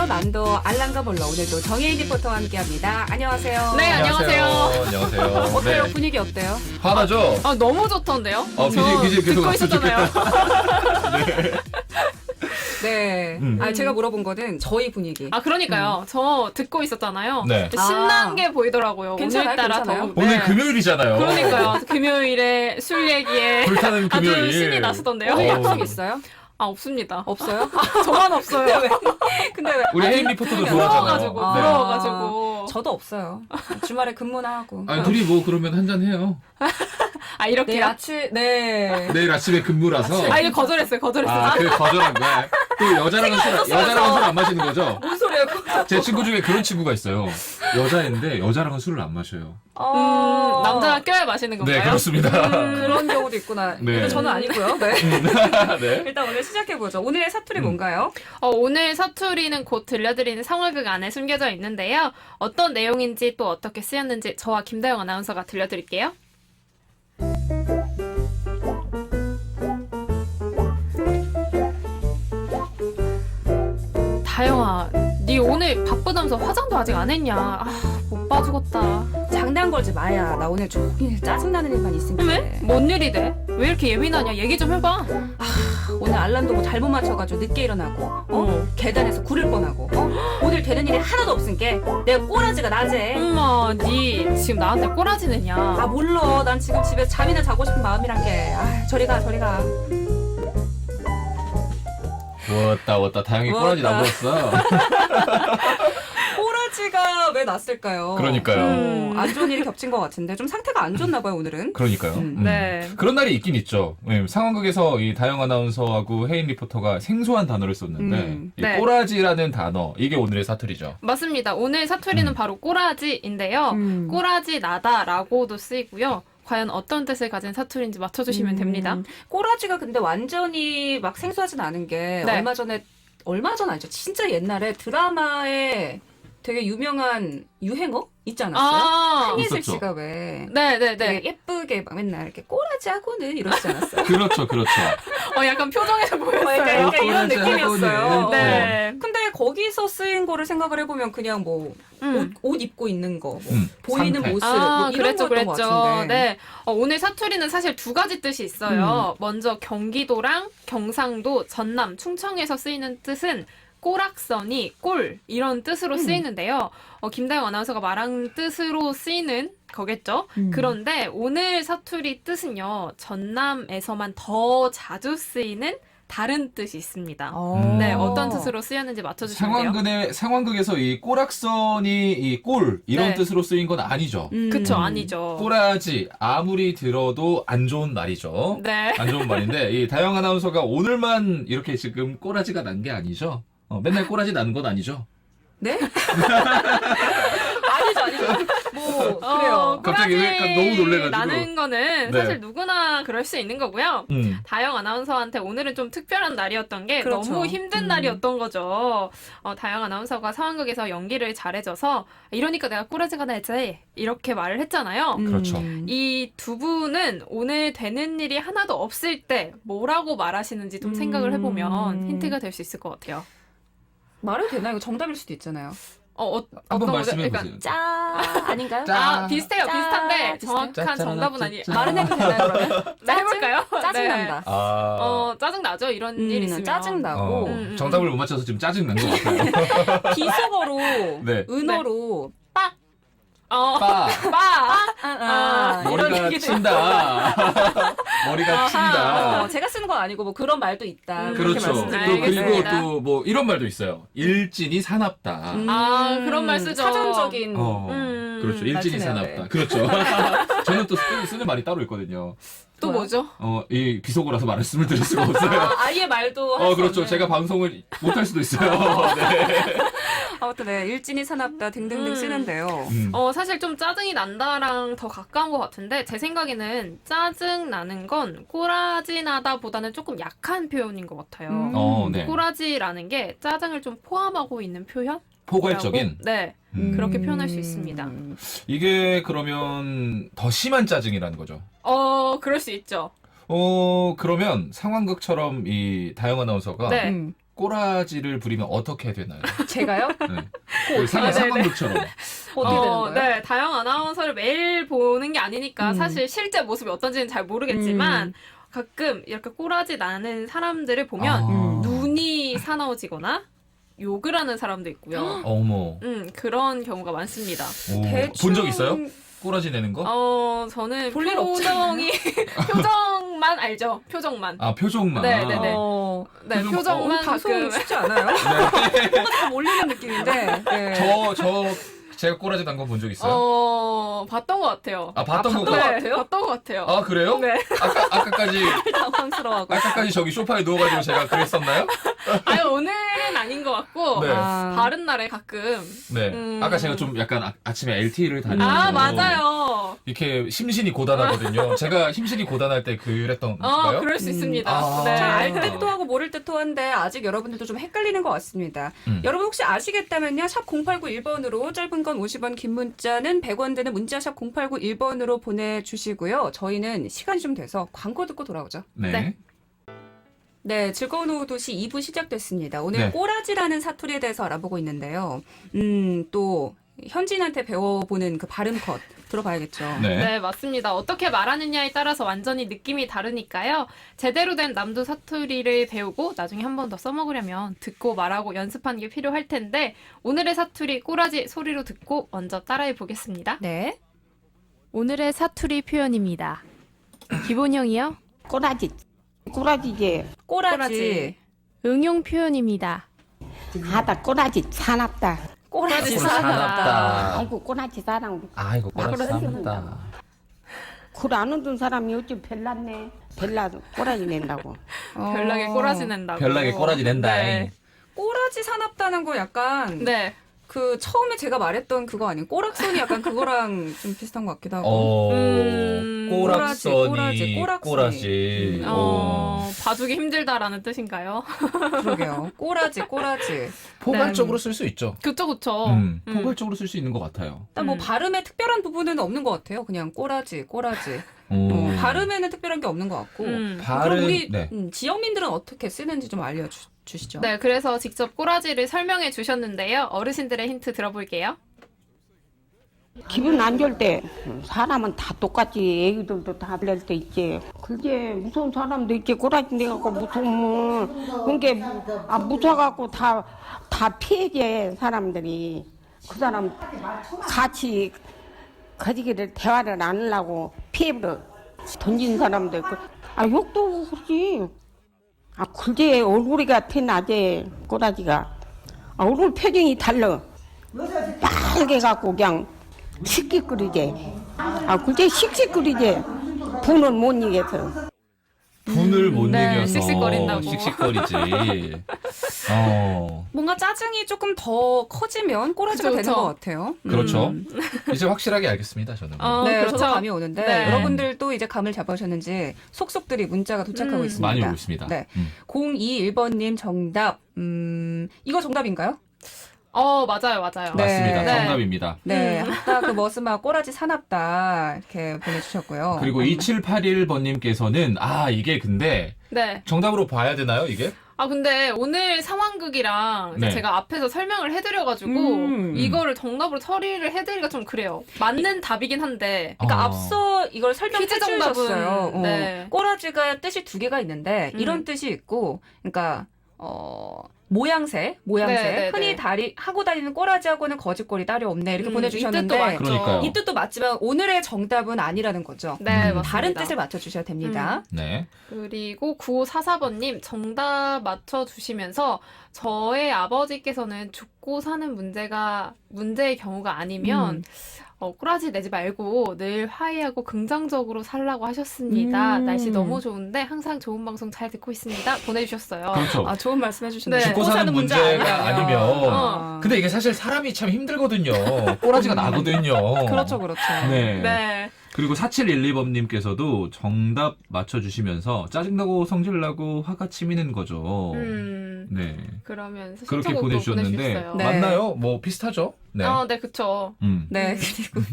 안녕하세요. 만도 알랑가 몰라. 오늘도 정혜인 리포터와 함께합니다. 안녕하세요. 네, 안녕하세요. 안녕하세요. 어때요? 네. 분위기 어때요? 화나죠? 아, 너무 좋던데요? BGM 계속 듣고 왔으면 있었잖아요. 네. 제가 물어본 거는 저희 분위기. 아, 그러니까요. 저 듣고 있었잖아요. 네. 신난 게 보이더라고요. 괜찮아요? 오늘따라 괜찮아요? 더. 오늘 네. 금요일이잖아요. 그러니까요. 금요일에 술 얘기에 불타는 금요일. 아주 신이 나시던데요. 오늘 어. 약속 있어요? 아, 없습니다. 없어요? 저만 없어요. 근데 왜? 우리 혜인 리포터도 부러워가지고, 좋아하잖아요. 네. 부러워가지고. 저도 없어요. 주말에 근무나 하고. 아니, 둘이 뭐 그러면 한잔 해요. 아, 내일 이렇게요? 아침, 네. 내일 아침에 근무라서. 아, 이거 거절했어요. 아, 그 거절한 거야. 또 여자랑은 술 안 마시는 거죠? 뭔 소리야, 그거. 제 친구 중에 그런 친구가 있어요. 여자인데 여자랑은 술을 안 마셔요. 남자가 껴야 마시는 건가요? 네, 그렇습니다. 그런 경우도 있구나. 네. 근데 저는 아니고요. 네. 네. 일단 오늘 시작해보죠. 오늘의 사투리 뭔가요? 오늘 사투리는 곧 들려드리는 상월극 안에 숨겨져 있는데요. 어떤 내용인지 또 어떻게 쓰였는지 저와 김다영 아나운서가 들려드릴게요. 다영아, 네 오늘 바쁘다면서 화장도 아직 안 했냐? 아, 못 봐주겠다. 장난 걸지 마야. 나 오늘 종일 짜증나는 일만 있으니까. 왜? 뭔 일이 돼? 왜 이렇게 예민하냐? 얘기 좀 해봐. 오늘 알람도 뭐 잘못 맞춰가지고 늦게 일어나고 계단에서 구를 뻔하고 오늘 되는 일이 하나도 없으니까 내가 꼬라지가 낮에. 엄마, 네 지금 나한테 꼬라지 내냐? 아 몰라. 난 지금 집에 잠이나 자고 싶은 마음이란 게. 저리 가 저리 가. 왔다. 다행히 꼬라지 왔다. 나버렸어. 꼬라지가 왜 났을까요? 그러니까요. 안 좋은 일이 겹친 것 같은데 좀 상태가 안 좋나 봐요 오늘은. 그러니까요. 네. 그런 날이 있긴 있죠. 네, 상황극에서 이 다영 아나운서하고 혜인 리포터가 생소한 단어를 썼는데 이 네. 꼬라지라는 단어 이게 오늘의 사투리죠. 맞습니다. 오늘 사투리는 바로 꼬라지인데요. 꼬라지 나다라고도 쓰이고요. 과연 어떤 뜻을 가진 사투리인지 맞춰주시면 됩니다. 꼬라지가 근데 완전히 막 생소하진 않은 게 네. 얼마 전 아니죠. 진짜 옛날에 드라마에 되게 유명한 유행어 있지 않았어요? 아, 한예슬 있었죠. 씨가 왜 네네네. 되게 예쁘게 막 맨날 이렇게 꼬라지하고는 이러지 않았어요? 그렇죠. 약간 표정에서 보였어요. 약간 이런 꼬라지 느낌이었어요. 하고는. 네. 근데 거기서 쓰인 거를 생각을 해보면 그냥 뭐 옷 입고 있는 거, 뭐 보이는 상태. 모습 뭐 이런 거였던 것 같은데. 네. 오늘 사투리는 사실 두 가지 뜻이 있어요. 먼저 경기도랑 경상도, 전남, 충청에서 쓰이는 뜻은 꼬락서니, 꼴 이런 뜻으로 쓰이는데요. 김다영 아나운서가 말한 뜻으로 쓰이는 거겠죠. 그런데 오늘 사투리 뜻은요. 전남에서만 더 자주 쓰이는 다른 뜻이 있습니다. 네, 어떤 뜻으로 쓰였는지 맞춰주시면 돼요. 상황극에서 이 꼬락선이 이 꼴 이런 네. 뜻으로 쓰인 건 아니죠. 그쵸, 아니죠. 꼬라지 아무리 들어도 안 좋은 말이죠. 네. 안 좋은 말인데 이 다영 아나운서가 오늘만 이렇게 지금 꼬라지가 난 게 아니죠. 맨날 꼬라지 나는 건 아니죠. 네? 아니죠. 뭐 그래요. 갑자기 왜 약간 너무 놀래가지고. 나는 거는 네. 사실 누구나 그럴 수 있는 거고요. 다영 아나운서한테 오늘은 좀 특별한 날이었던 게 그렇죠. 너무 힘든 날이었던 거죠. 다영 아나운서가 상황극에서 연기를 잘해줘서 이러니까 내가 꼬라지가 나지 이렇게 말을 했잖아요. 그렇죠. 이 두 분은 오늘 되는 일이 하나도 없을 때 뭐라고 말하시는지 좀 생각을 해보면 힌트가 될 수 있을 것 같아요. 말해도 되나요? 이거 정답일 수도 있잖아요. 한번 말씀해 보세요. 짜 아닌가요? 짜. 비슷해요. 짜. 비슷한데 비슷해요? 정확한 정답은 아니에요. 말은 해도 되나요 그러면? 네, 해볼까요? 짜증난다. 짜증나죠? 이런 일 있으면. 짜증나고 정답을 못 맞춰서 지금 짜증 난 것 같아요. 비속어로 네. 은어로 빠. 이런 머리가 얘기도 친다. 머리가 친다. 제가 쓰는 건 아니고 뭐 그런 말도 있다. 그렇게 그렇죠. 또 말씀드리고 그리고 알겠습니다. 또 뭐 이런 말도 있어요. 일진이 사납다. 그런 말 쓰죠. 사전적인 그렇죠. 일진이 말투네요, 사납다. 네. 그렇죠. 저는 또 쓰는 말이 따로 있거든요. 또 뭐죠? 이 비속어라서 말씀을 드릴 수가 없어요. 아예 말도 할수 그렇죠. 없는. 제가 방송을 못 할 수도 있어요. 네. 아무튼 네, 일진이 사납다 등등등 쓰는데요. 사실 좀 짜증이 난다랑 더 가까운 것 같은데 제 생각에는 짜증 나는 건 꼬라지 나다 보다는 조금 약한 표현인 것 같아요. 네. 꼬라지라는 게 짜증을 좀 포함하고 있는 표현? 포괄적인. 네. 그렇게 표현할 수 있습니다. 이게 그러면 더 심한 짜증이라는 거죠. 그럴 수 있죠. 그러면 상황극처럼 이 다영 아나운서가 네. 꼬라지를 부리면 어떻게 되나요? 제가요? 네. 그 상황극처럼. 어떻게 되는 거예요? 네, 다영 아나운서를 매일 보는 게 아니니까 사실 실제 모습이 어떤지는 잘 모르겠지만 가끔 이렇게 꼬라지 나는 사람들을 보면 눈이 사나워지거나 욕을 하는 사람도 있고요. 어머. 그런 경우가 많습니다. 본 적 있어요? 꼬라지 내는 거? 저는 볼일 표정이 표정만 알죠. 표정만. 아, 표정만. 네, 네, 네. 네, 표정- 표정만 방송 가끔. 쉽지 않아요? 뭔가 좀 올리는 느낌인데. 네. 제가 꼬라지 난 거 본 적 있어요? 봤던 것 같아요. 아, 봤던 거. 것 같아요? 봤던 것 같아요. 아, 그래요? 네. 당황스러워하고. 아까까지 저기 소파에 누워가지고 제가 그랬었나요? 아니, 오늘은 아닌 것 같고, 네. 다른 날에 가끔. 네. 아까 제가 좀 약간 아침에 LTE를 다니고. 맞아요. 이렇게 심신이 고단하거든요. 제가 심신이 고단할 때 그랬던 건가요? 그럴 수 있습니다. 아. 네. 잘 알 듯도 하고 모를 듯도 한데 아직 여러분들도 좀 헷갈리는 것 같습니다. 여러분 혹시 아시겠다면요. 샵 0891번으로 짧은 건 50원, 긴 문자는 100원 되는 문자 샵 0891번으로 보내주시고요. 저희는 시간이 좀 돼서 광고 듣고 돌아오죠. 네. 네. 네, 즐거운 오후 도시 2부 시작됐습니다. 오늘 네. 꼬라지라는 사투리에 대해서 알아보고 있는데요. 또 현진한테 배워보는 그 발음 컷 들어봐야겠죠. 네. 네, 맞습니다. 어떻게 말하느냐에 따라서 완전히 느낌이 다르니까요. 제대로 된 남도 사투리를 배우고 나중에 한 번 더 써먹으려면 듣고 말하고 연습하는 게 필요할 텐데 오늘의 사투리 꼬라지 소리로 듣고 먼저 따라해 보겠습니다. 네. 오늘의 사투리 표현입니다. 기본형이요. 꼬라지, 꼬라지지. 꼬라지. 응용 표현입니다. 하다 꼬라지 사납다. 꼬라지 사납다. 아이고 꼬라지 사랑. 아이고, 꼬라지 사납다. 굴안 얻은 사람이 어찌 별났네. 별나도 꼬라지 낸다고. 별나게 꼬라지 낸다고. 별나게 꼬라지 낸다. 네. 꼬라지 사납다는 거 약간 네. 그 처음에 제가 말했던 그거 아니에요? 꼬락선이 약간 그거랑 좀 비슷한 것 같기도 하고. 꼬락선이 꼬라지. 꼬라지. 봐주기 힘들다라는 뜻인가요? 그러게요. 꼬라지. 포괄적으로 쓸 수 있죠. 그쵸. 포괄적으로 쓸 수 있는 것 같아요. 일단 뭐 발음에 특별한 부분은 없는 것 같아요. 그냥 꼬라지. 발음에는 특별한 게 없는 것 같고. 그럼 발음, 우리 네. 지역민들은 어떻게 쓰는지 좀 알려주시죠. 네, 그래서 직접 꼬라지를 설명해 주셨는데요. 어르신들의 힌트 들어볼게요. 기분 안 좋을 때 사람은 다 똑같지. 애기들도 다 그럴 때 있지. 그게 무서운 사람도 있지. 꼬라지 내갖고 무서우면 그게 무서워갖고 다 피해지 사람들이. 그 사람 같이 거지기를 대화를 안 하려고 피해버려 던진 사람도 있고. 욕도 그러지. 글제 얼굴이 같아 낮에 꼬라지가. 얼굴 표정이 달라. 빨개 갖고 그냥 씩씩거리지. 글제 씩씩거리지. 분을 못 이겨서. 분을 못 네, 이겨서 씩씩거린다고. 씩씩거리지. 뭔가 짜증이 조금 더 커지면 꼬라지가 그쵸, 되는 그쵸. 것 같아요. 그렇죠. 이제 확실하게 알겠습니다, 저는. 네, 그렇죠. 저도 감이 오는데 네. 여러분들도 이제 감을 잡으셨는지 속속들이 문자가 도착하고 있습니다. 많이 오고 있습니다. 네. 021번님 정답. 이거 정답인가요? 맞아요. 맞습니다. 네. 정답입니다. 네. 아까 그 머스마 꼬라지 사납다 이렇게 보내주셨고요. 그리고 2781번님께서는 이게 근데 네. 정답으로 봐야 되나요, 이게? 근데 오늘 상황극이랑 이제 네. 제가 앞에서 설명을 해드려가지고 이거를 정답으로 처리를 해드리기가 좀 그래요. 맞는 답이긴 한데. 그러니까 앞서 이걸 설명해 퀴즈 주셨어요. 정답은, 네. 꼬라지가 뜻이 두 개가 있는데 이런 뜻이 있고, 그러니까 모양새. 네, 흔히 네. 하고 다니는 꼬라지하고는 거짓골이 따로 없네 이렇게 이 보내주셨는데 뜻도 맞죠. 그러니까요. 이 뜻도 맞지만 오늘의 정답은 아니라는 거죠. 네, 맞습니다. 다른 뜻을 맞춰주셔야 됩니다. 네. 그리고 9544번님 정답 맞춰주시면서 저의 아버지께서는 죽고 사는 문제의 경우가 아니면 꼬라지 내지 말고 늘 화해하고 긍정적으로 살라고 하셨습니다. 날씨 너무 좋은데 항상 좋은 방송 잘 듣고 있습니다. 보내주셨어요. 그렇죠. 좋은 말씀 해주셨네요. 네. 죽고 사는 문제가 아니면. 근데 이게 사실 사람이 참 힘들거든요. 꼬라지가 나거든요. 그렇죠. 네. 네. 그리고 4712번님께서도 정답 맞춰주시면서 짜증나고 성질나고 화가 치미는 거죠. 네. 그러면 그렇게 신청곡도 보내주셨는데 보내주셨어요. 네. 맞나요? 뭐 비슷하죠? 네. 네, 그쵸. 네, 그리고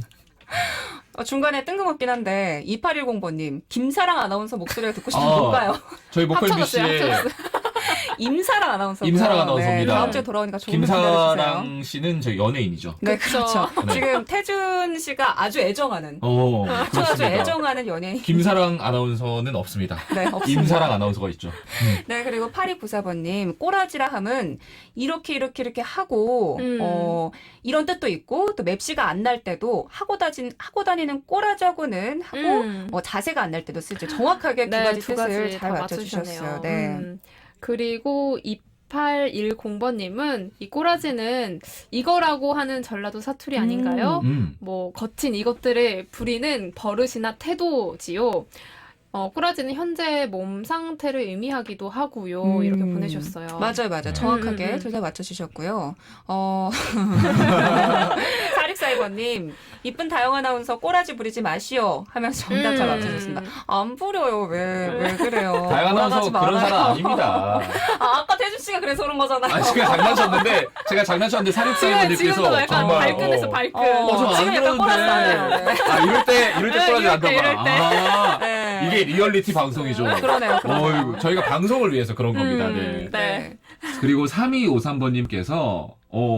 중간에 뜬금없긴 한데 2810번님 김사랑 아나운서 목소리가 듣고 싶은 아. 뭘까요? 저희 목걸비 합쳐졌어요, 씨의 합쳐졌어요. 임사랑 아나운서. 임사랑 아나운서입니다. 다음 주에 돌아오니까 조금 기다려주세요. 김사랑 씨는 저 연예인이죠. 네, 그쵸. 그렇죠. 네. 지금 태준 씨가 아주 애정하는, 아주 그렇습니다. 애정하는 연예인. 김사랑 아나운서는 없습니다. 네, 없습니다. 임사랑 아나운서가 있죠. 네, 그리고 8294번님, 꼬라지라 함은 이렇게 하고, 이런 뜻도 있고, 또 맵시가 안 날 때도 하고 다니는 꼬라자고는 하고, 자세가 안 날 때도 쓰죠. 정확하게 두 가지 뜻을 잘 다 맞춰주셨어요. 네. 그리고 2810번님은 이 꼬라지는 이거라고 하는 전라도 사투리 아닌가요? 뭐 거친 이것들을 부리는 버릇이나 태도지요. 꼬라지는 현재 몸 상태를 의미하기도 하고요. 이렇게 보내주셨어요. 맞아요. 정확하게 둘 다 맞춰주셨고요. 4642번님, 이쁜 다영 아나운서 꼬라지 부리지 마시오 하면서 정답 잘 맞춰주셨습니다. 안 부려요. 왜 그래요? 다영 아나운서 올라가지 그런 말아요. 사람 아닙니다. 아까 태준 씨가 그래서 그런 거잖아요. 제가 장난쳤는데 지금도 사립사회분들께서 약간 정말 발끈해서 발끈. 저안 지금 약간 꼬라지 나네요. 그러는데 이럴 때 꼬라지 이럴 때, 난다고. 이럴 때. 네. 이게 리얼리티 방송이죠. 그러네요. 어이구, 저희가 방송을 위해서 그런 겁니다. 네. 네. 그리고 3253번님께서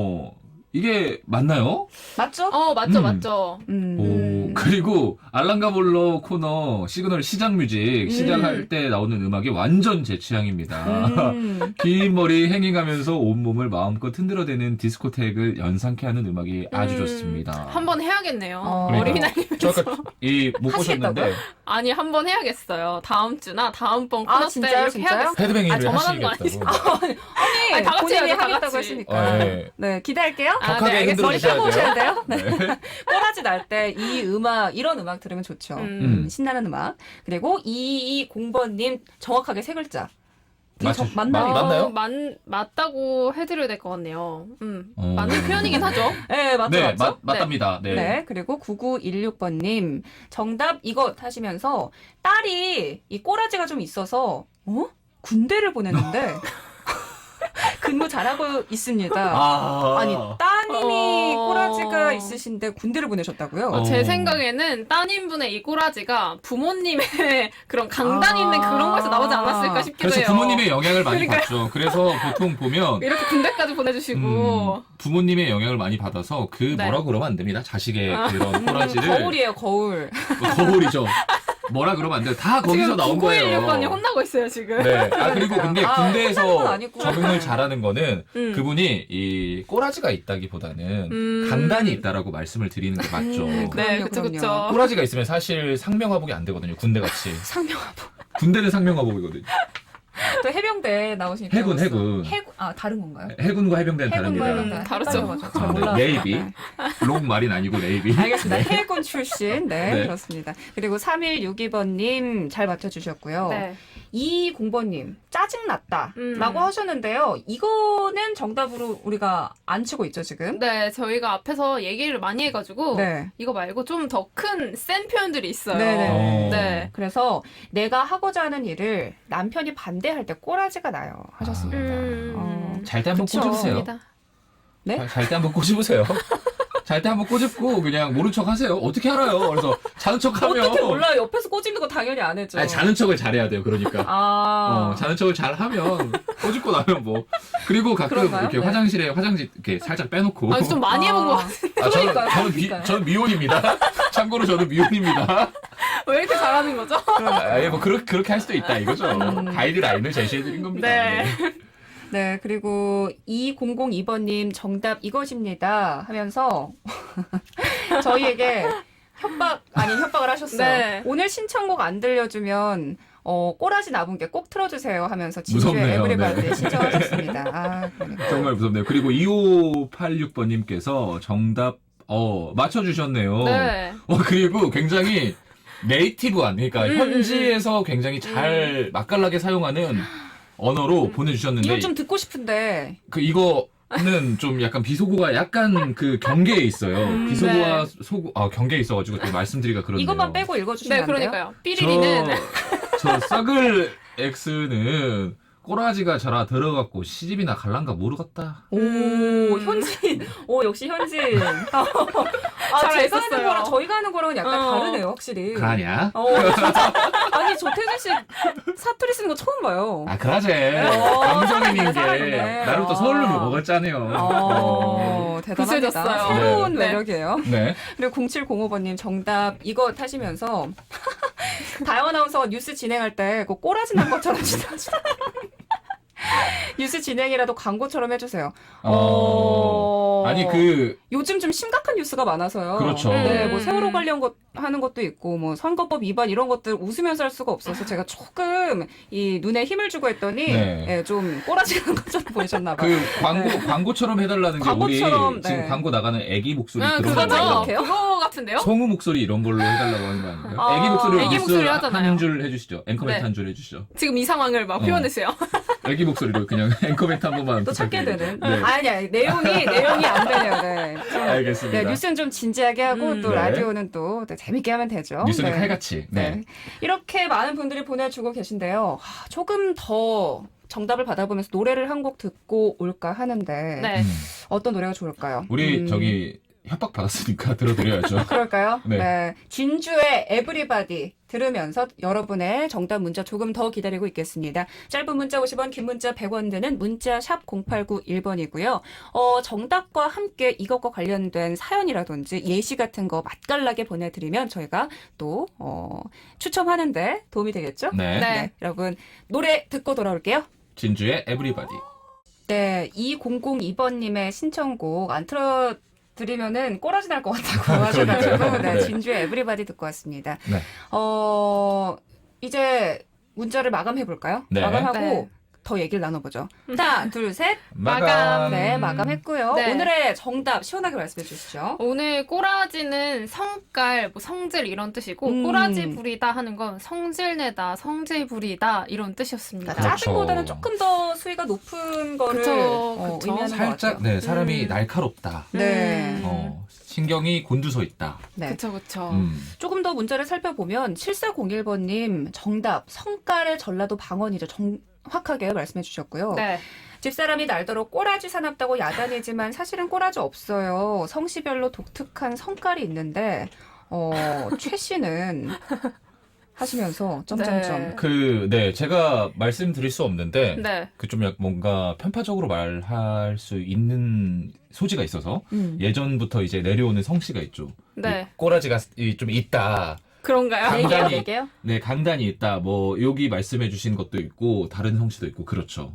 이게 맞나요? 맞죠? 맞죠. 그리고 알랑가볼러 코너 시그널 시작 뮤직 시작할 때 나오는 음악이 완전 제 취향입니다. 긴 머리 행잉하면서 온몸을 마음껏 흔들어대는 디스코텍을 연상케 하는 음악이 아주 좋습니다. 한번 해야겠네요. 그러니까요. 어린이날님. 저 아까 못 보셨는데 하시겠다고요? 아니 한번 해야겠어요. 다음 주나 다음번 코너 때 진짜요? 이렇게 진짜요? 해야겠어요. 헤드뱅이를 저만 하는 거 하시겠다고. 아니, 다 같이 본인이 해야죠, 다 하겠다고 같이. 했으니까. 네. 네, 기대할게요. 격하게 알겠습니다. 머리 펴고 오셔야 돼요. 네. 꼬라지 날 때 이런 음악 들으면 좋죠. 신나는 음악. 그리고 2220번님 정확하게 세 글자. 맞나요? 맞나요? 맞다고 해드려야 될 것 같네요. 맞는 표현이긴 하죠. 네, 맞죠. 네, 맞죠? 맞답니다. 네. 네. 그리고 9916번님 정답 이것 하시면서 딸이 이 꼬라지가 좀 있어서 군대를 보냈는데 근무 잘하고 있습니다. 아니 따님이 꼬라지가 있으신데 군대를 보내셨다고요? 제 생각에는 따님분의 이 꼬라지가 부모님의 그런 강단 있는 그런 거에서 나오지 않았을까 싶기도 그래서 해요. 부모님의 영향을 많이 그러니까요. 받죠. 그래서 보통 보면 이렇게 군대까지 보내주시고 부모님의 영향을 많이 받아서 네. 뭐라고 그러면 안 됩니다. 자식의 그런 꼬라지를 거울이에요, 거울. 거울이죠. 뭐라 그러면 안 돼요. 다 거기서 지금 나온 거예요. 9916번이 혼나고 있어요 지금. 네. 근리고 근데 혼나는 건 군대에서 아니고. 적응을 잘하는 거는 그분이 이 꼬라지가 있다기보다는 강단이 있다라고 말씀을 드리는 게 맞죠. 네, 그럼요, 그쵸, 그럼요. 그쵸. 꼬라지가 있으면 사실 상명하복이 안 되거든요. 군대같이. 상명하복. 군대는 상명하복이거든요. 또 해병대 나오시니까. 해군. 다른 건가요? 해군과 해병대는 해군과 다릅니다. 해병대. 다르죠. 헷갈려가지고 잘 네, 몰라서. 네이비. 네. 롱 말인 아니고 네이비. 알겠습니다. 해군 출신. 네, 네. 그렇습니다. 그리고 3162번님 잘 맞춰주셨고요. 네. 220번님 짜증났다 라고 하셨는데요. 이거는 정답으로 우리가 안 치고 있죠, 지금? 네, 저희가 앞에서 얘기를 많이 해가지고 네. 이거 말고 좀 더 큰 센 표현들이 있어요. 네네. 네. 그래서 내가 하고자 하는 일을 남편이 반대할 때 꼬라지가 나요 하셨습니다. 잘 때 한번 그쵸. 꼬집으세요. 입니다. 네? 잘 때 한번 꼬집으세요. 잘 때 한번 꼬집고 그냥 모른 척 하세요. 어떻게 알아요? 그래서 자는 척 하면 어떻게 몰라요? 옆에서 꼬집는 거 당연히 안 해죠. 아니, 자는 척을 잘해야 돼요. 그러니까. 자는 척을 잘 하면 꼬집고 나면 뭐. 그리고 가끔 그런가요? 이렇게 네. 화장실에 화장지 이렇게 살짝 빼놓고. 좀 많이 해본 것 같아요. 그러니까요. 저는 미혼입니다. 참고로 저는 미혼입니다. 왜 이렇게 잘하는 거죠? 뭐 그렇게 할 수도 있다 이거죠. 가이드라인을 제시해드린 겁니다. 네. 네, 그리고 2002번님 정답 이것입니다 하면서 저희에게 협박을 하셨어요. 네. 오늘 신청곡 안 들려주면 꼬라지 나분 게 꼭 틀어주세요 하면서 진주의 무섭네요. 에브리바디 네. 신청하셨습니다. 그러니까. 정말 무섭네요. 그리고 2586번님께서 정답 맞춰주셨네요. 네. 그리고 굉장히 네이티브한 그러니까 현지에서 굉장히 잘 맛깔나게 사용하는 언어로 보내주셨는데 이거 좀 듣고 싶은데 이거는 좀 약간 비속어가 약간 그 경계에 있어요. 비속어와 경계에 있어가지고 또 말씀드리기가 그런데요. 이것만 빼고 읽어주시면 네, 안 돼요? 그러니까요. 삐리리는 저 썩을 X는 꼬라지가 저라 들어갔고 시집이나 갈란가 모르겠다. 오, 현진. 오, 역시 현진. 제가 하는 살아있었어요. 거랑 저희가 하는 거랑은 약간 다르네요, 확실히. 그러냐? 진짜. 아니, 조태준 씨 사투리 쓰는 거 처음 봐요. 아, 그러지. 감성인인 게. 살아있네. 나름 또 서울로 먹었잖아요. 대단합니다. 구세졌어요. 새로운 네. 매력이에요. 네. 그리고 0705번님 정답 이거 타시면서 다영 아나운서 뉴스 진행할 때 그 꼬라지 난 것처럼 지나치다. 뉴스 진행이라도 광고처럼 해주세요. 아니, 요즘 좀 심각한 뉴스가 많아서요. 그렇죠. 네, 뭐 세월호 관련 것 하는 것도 있고, 뭐 선거법 위반 이런 것들 웃으면서 할 수가 없어서 제가 조금 이 눈에 힘을 주고 했더니 네. 예, 좀 꼬라지 난 것처럼 보이셨나봐요. 광고처럼 해달라는 게 광고처럼, 우리 지금 네. 광고 나가는 애기 목소리 그런 그거죠. 거 이렇게요? 그거 같은데요? 성우 목소리 이런 걸로 해달라고 하는 거 아닌가요? 아, 애기 목소리로 애기 뉴스 목소리 하잖아요. 한 줄 해주시죠. 앵커멘트 네. 한 줄 해주시죠. 지금 이 상황을 막 표현해주세요. 애기 목소리로 그냥 앵커멘트 한 번만 또 찾게 되는. 네. 아니, 내용이 안 되네요. 네. 좀, 알겠습니다. 네, 뉴스는 좀 진지하게 하고 또 네. 라디오는 또 재밌게 하면 되죠. 뉴스는 네. 칼같이. 네. 이렇게 많은 분들이 보내주고 계신데요. 조금 더 정답을 받아보면서 노래를 한 곡 듣고 올까 하는데 네. 어떤 노래가 좋을까요? 우리 저기 협박 받았으니까 들어드려야죠. 그럴까요? 네. 진주의 에브리바디 들으면서 여러분의 정답 문자 조금 더 기다리고 있겠습니다. 짧은 문자 50원, 긴 문자 100원 드는 문자 샵 0891번이고요. 정답과 함께 이것과 관련된 사연이라든지 예시 같은 거 맛깔나게 보내드리면 저희가 또 추첨하는데 도움이 되겠죠? 네. 네. 여러분 노래 듣고 돌아올게요. 진주의 에브리바디. 네, 2002번님의 신청곡 안 틀어드리면은 꼬라지 날 것 같다고 하셔가지고 그러니까요. 네, 네. 진주의 에브리바디 듣고 왔습니다. 네. 이제 문자를 마감해볼까요? 네. 마감하고 네. 더 얘기를 나눠보죠. 하나, 둘, 셋. 마감. 네, 마감했고요. 네. 오늘의 정답 시원하게 말씀해 주시죠. 오늘 꼬라지는 성깔, 뭐 성질 이런 뜻이고 꼬라지 부리다 하는 건 성질내다, 성질 부리다 이런 뜻이었습니다. 그러니까 그렇죠. 짜증보다는 조금 더 수위가 높은 거를 그쵸. 의미하는 것 살짝 같아요. 네 사람이 날카롭다. 네. 신경이 곤두서 있다. 네. 그쵸. 조금 더 문자를 살펴보면 7401번님 정답 성깔의 전라도 방언이죠. 정확하게 말씀해 주셨고요. 네. 집사람이 날더러 꼬라지 사납다고 야단이지만 사실은 꼬라지 없어요. 성씨별로 독특한 성깔이 있는데 최 씨는 하시면서 점점점. 네. 제가 말씀드릴 수 없는데 네. 좀 뭔가 편파적으로 말할 수 있는 소지가 있어서 예전부터 이제 내려오는 성씨가 있죠. 네. 이 꼬라지가 좀 있다. 그런가요? 강단이- 얘기해요? 네, 강단이 있다. 뭐 여기 말씀해 주신 것도 있고 다른 성씨도 있고 그렇죠.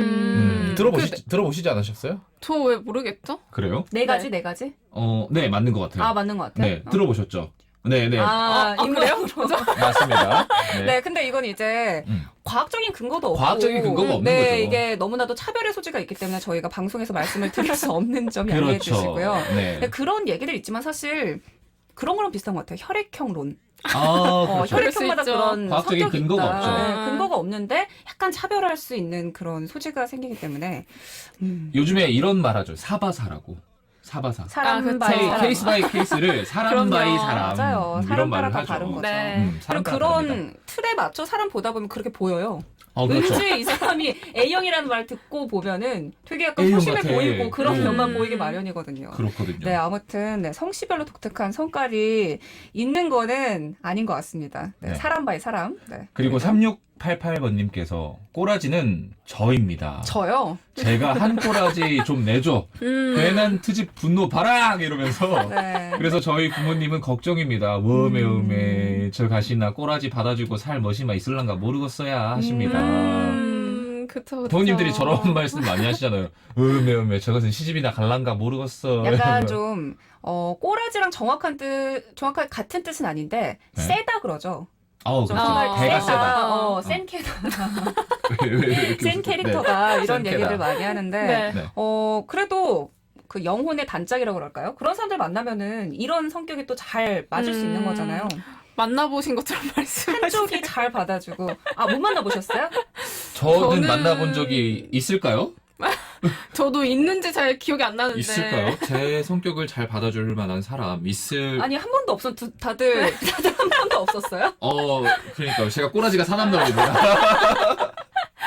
들어보시지 않으셨어요? 저 왜 모르겠죠? 그래요? 네 가지, 네 가지? 네, 맞는 것 같아요. 아, 맞는 것 같아요? 네, 들어보셨죠? 네, 네. 인물로. 맞습니다. 네. 네, 근데 이건 이제 과학적인 근거도 없고. 과학적인 근거가 없는 네, 거죠. 이게 너무나도 차별의 소지가 있기 때문에 저희가 방송에서 말씀을 드릴 수 없는 점 양해해 그렇죠. 주시고요. 네. 네, 그런 얘기들 있지만 사실 그런 거랑 비슷한 것 같아요. 혈액형론. 그렇죠. 혈액형마다 그럴 수 있죠. 그런 과학적인 성격이 근거가 있다. 없죠. 네, 근거가 없는데 약간 차별할 수 있는 그런 소지가 생기기 때문에 요즘에 이런 말 하죠. 사바사라고. 사바사. 사람 그쵸. 바이 사람. 케이스 바이 케이스를 사람 그럼요. 바이 사람. 맞아요. 이런 사람 말을 따라 다 하죠. 다른 거죠. 네. 사람 그리고 따라 그런 다릅니다. 틀에 맞춰 사람 보다 보면 그렇게 보여요. 그렇죠. 왠지 이 사람이 A형이라는 말 듣고 보면은 되게 약간 A형 소심해 같아. 보이고 그런 음. 면만 보이기 마련이거든요. 그렇거든요. 네, 아무튼 네, 성씨별로 독특한 성깔이 있는 거는 아닌 것 같습니다. 네, 네. 사람 바이 사람. 네. 그리고 3688번님께서 꼬라지는 저입니다. 저요. 제가 한 꼬라지 좀 내줘. 괜한 트집 분노 바락 이러면서. 네. 그래서 저희 부모님은 걱정입니다. 워메 저 가시나 꼬라지 받아주고 살 멋이마 있을란가 모르겠어야 하십니다. 그쵸. 부모님들이 저런 말씀 많이 하시잖아요. 음에 저것은 시집이나 갈란가 모르겠어. 약간 좀 꼬라지랑 정확하게 같은 뜻은 아닌데 네. 세다 그러죠. 그렇죠. 아, 배가 세다. 센 캐다. 왜 이렇게 센 웃으세요? 캐릭터다 이런 센 얘기를 캐다. 많이 하는데 네. 네. 그래도 그 영혼의 단짝이라고 그럴까요? 그런 사람들 만나면은 이런 성격이 또 잘 맞을 수 있는 거잖아요. 만나보신 것처럼 말씀하시네요. 한쪽이 잘 받아주고 못 만나보셨어요? 저는 저는- 만나본 적이 있을까요? 저도 있는지 잘 기억이 안 나는데. 있을까요? 제 성격을 잘 받아줄 만한 사람 있을. 아니 한 번도 없어. 다들 한 번도 없었어요? 그러니까 제가 꼬라지가 사납나 봅니다.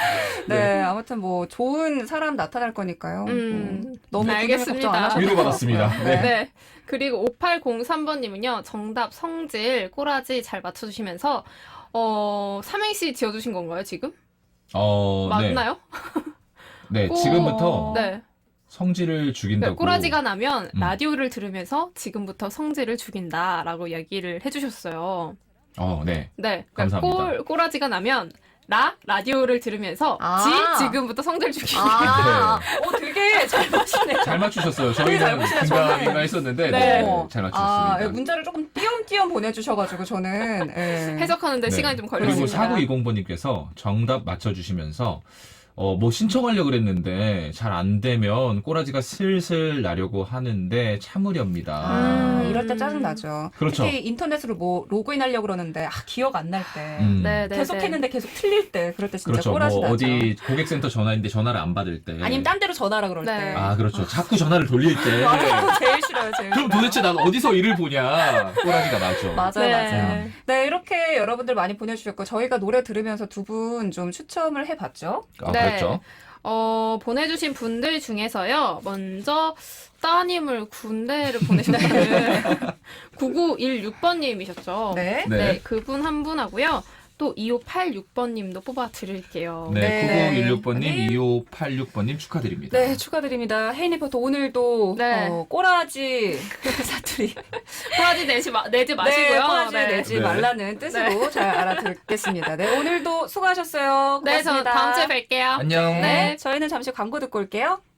네, 아무튼 뭐 좋은 사람 나타날 거니까요. 너무 알겠습니다. 걱정 안 하셔도 위로받았습니다. 돼요. 네. 네. 그리고 5803번님은요, 정답 성질, 꼬라지 잘 맞춰주시면서, 삼행시 지어주신 건가요, 지금? 네. 맞나요? 네, 지금부터 네. 성질을 죽인다고. 그러니까 꼬라지가 나면 음. 라디오를 들으면서 지금부터 성질을 죽인다라고 얘기를 해주셨어요. 네. 네. 그러니까 감사합니다. 꼬라지가 나면 라디오를 들으면서 지금부터 성질 죽인다. 아, 되게 잘 맞추네요. 잘 맞추셨어요. 되게 잘 저희는 보시네요, 긴가민가 저는. 했었는데 네. 잘 아, 맞추셨습니다. 문자를 조금 띄엄띄엄 보내주셔가지고 저는 해석하는데 네. 시간이 좀 그리고 걸렸습니다. 4920번님께서 정답 맞춰주시면서 뭐 신청하려고 그랬는데 잘 안 되면 꼬라지가 슬슬 나려고 하는데 참으렵니다. 이럴 때 짜증 나죠. 그렇죠. 특히 인터넷으로 뭐 로그인하려고 그러는데 기억 안 날 때. 네, 계속 했는데 계속 틀릴 때 그럴 때 진짜 그렇죠. 꼬라지 뭐 나죠. 어디 고객센터 전화인데 전화를 안 받을 때. 아니면 딴 데로 전화하라 그럴 네. 때. 아, 그렇죠. 자꾸 전화를 돌릴 때. 맞아요. 제일 싫어요. 제일 그럼 싫어요. 도대체 난 어디서 일을 보냐. 꼬라지가 나죠. 맞아요, 네. 맞아요. 네, 이렇게 여러분들 많이 보내주셨고 저희가 노래 들으면서 두 분 좀 추첨을 해봤죠. 네. 그랬죠. 보내주신 분들 중에서요, 먼저 따님을 군대를 보내셨다는 9916번님이셨죠. 네. 네. 그분 한 분하고요. 또 2586번님도 뽑아드릴게요. 네, 네. 9916번님, 2586번님 축하드립니다. 네, 축하드립니다. 혜인 리포터 오늘도 네. 꼬라지 사투리. 꼬라지 내지 마시고요. 네, 꼬라지 내지 네. 말라는 뜻으로 잘 알아듣겠습니다. 네, 오늘도 수고하셨어요. 네, 저 고맙습니다. 다음 주에 뵐게요. 안녕. 네, 저희는 잠시 광고 듣고 올게요.